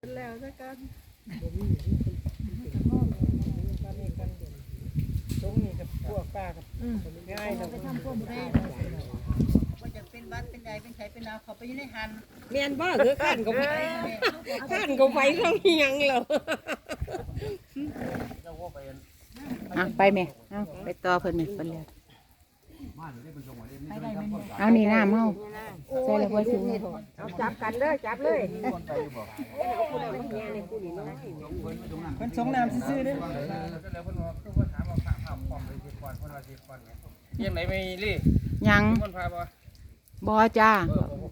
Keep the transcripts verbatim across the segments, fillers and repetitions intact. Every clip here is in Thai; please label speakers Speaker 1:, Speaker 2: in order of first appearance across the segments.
Speaker 1: แล้วซะกันตรงนี้กับพวกป้ากับง่ายเราไปทำพวกได้ว่าจะเป็นวัดเป็นใดเป็นไข่เป็นดาวเขาไปอยู่ในหันเมียนบ้าคือขันกับไฟขันกับไฟเขายังเหรอ
Speaker 2: อ่ะไปไหมเอาไปต่อเพิ่นไหมเพิ่นเลยเอานี่น้ำเฮาใส่แล้วบ่ถึง
Speaker 1: เอาจับกันเลยจับเลยเพิ่นสงน้ำซื่อๆเด้อยังไหนไม่รี
Speaker 2: ยังบ่จ้า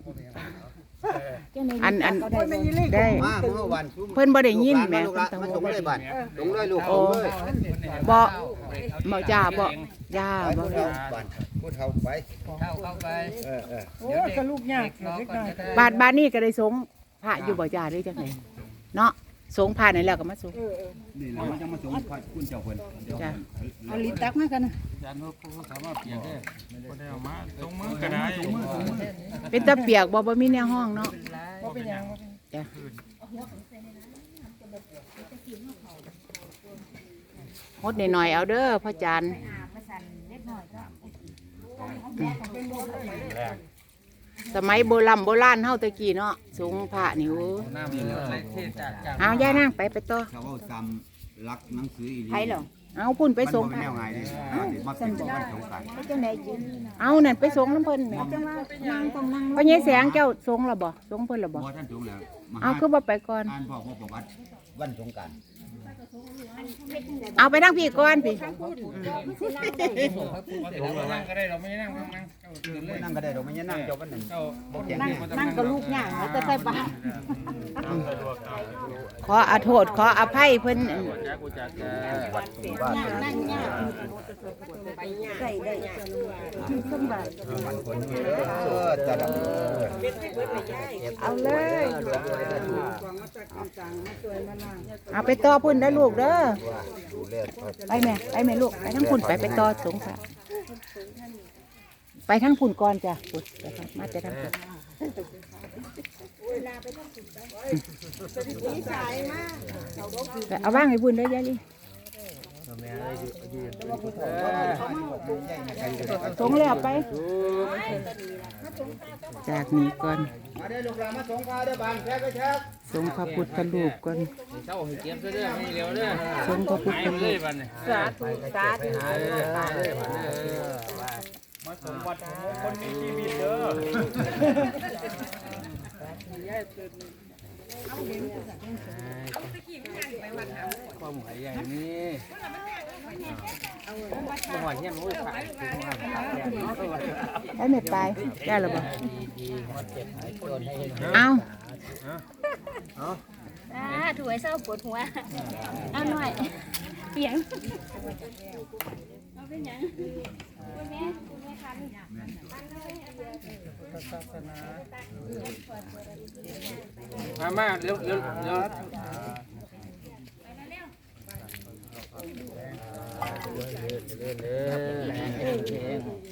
Speaker 2: อันอันได้เพิ่นบ่ได้ยินแหมเพิ่นต้อง
Speaker 3: ส่งเลยบัดส่งเลยลูกส่งเลย
Speaker 2: บ่บ่จ้าบ่จ้าบ่
Speaker 3: บัดพูดเฮาไป
Speaker 4: เข้าเข้าไป
Speaker 3: เออเออ
Speaker 1: โอ้ก็ลูกยากเล็กน้อย
Speaker 2: บาดบาดนี้ก็ได้สงพระอยู่บ่จ้าหรือจังได๋เนาะสงพระนี่แล้วก็มาสง
Speaker 3: นี่เราจะมาส่งพระคุณเจ้าเพิ่น
Speaker 2: จ้า
Speaker 1: เอาลิ้นตักมากันนะ
Speaker 4: อาจารย์เขาสามารถเปลี่ยนได้บ่ได้เอามาตรงมือก็ได้
Speaker 2: เป็นตะเปียกบ่บ่มีแนวห้องเนาะ
Speaker 1: บ่เป็นหยัง
Speaker 2: จ้ะฮดหน่อยๆเอาเด้อพ่อจันสมัยโบราณโบราณเฮาตะกี้เนาะสูงพระนี่โอ้เอาย่านั่งไปไปต่อ
Speaker 3: เขาเอาจำรักหนังสืออีหลี
Speaker 2: ไผเหรอเอาพุ่นไปส่ง
Speaker 3: มันแนวไงดิมาเป็นของสงสาร
Speaker 2: เอานั่นไปส่งน้ำเพิ่นแหมเพราะยายแสงเจ้าส่งแล้วบ่ส่งเพิ่นแล้วบ่
Speaker 3: บ่ท่านส่งแล้ว
Speaker 2: เอาคือบ่ไปก่อน
Speaker 3: อ่านบอกว่าประวัติวันสงกรานต์
Speaker 2: เอาไปนั่งพี่ก่อนพี่
Speaker 4: นั่งก็ได้เราไม่นั่งนั่ง
Speaker 3: นั่งก็ได้เราไม่นั่งเจ้าวันนั้น
Speaker 1: นั่งนั่งกับลูกย่างแล้วจะใส่บาตร
Speaker 2: ขออโทษขออภัยเพิ่น
Speaker 1: นั่งย่างใส่ได้สบายเอาเลยเอาไปต่อพุ่นได้ลูกเด้อไปแม่ไปแม่ลูกไปทั้งพุ่นไปไปต่อสงสารไปทั้งพุ่นก่อนจ้ะพุ่นมาแต่ทั้งพุ่นเอาว่างให้พุ่นได้ยายลิสงแล้วไปจากนี้ก่อน
Speaker 3: มาได้ลูกหลานมาส่งพาได้บานแค่ไปแค่
Speaker 2: สงพระพุทธรูปก่อน
Speaker 4: เช้าให้เก็บซะเด้อให้เร็วเด้อ
Speaker 2: สงพระพุทธรูป
Speaker 1: สาธุสาธุ
Speaker 4: มาสมบัติของคนมีชีวิตเด้อความหมายใหญ่นี่จังหวัดเฮียนโอ้ยขาย
Speaker 2: ได้ไม่ไปได้หรือเปล่าเอา
Speaker 5: อ่าถูไอ้เศร้าปวดหัวเอาหน่อยเสียงเอาเป็นยังคุณแม่คุณแม่คัน
Speaker 4: ศาสนามามาเร็วเร็วเร็วเร็วเร็ว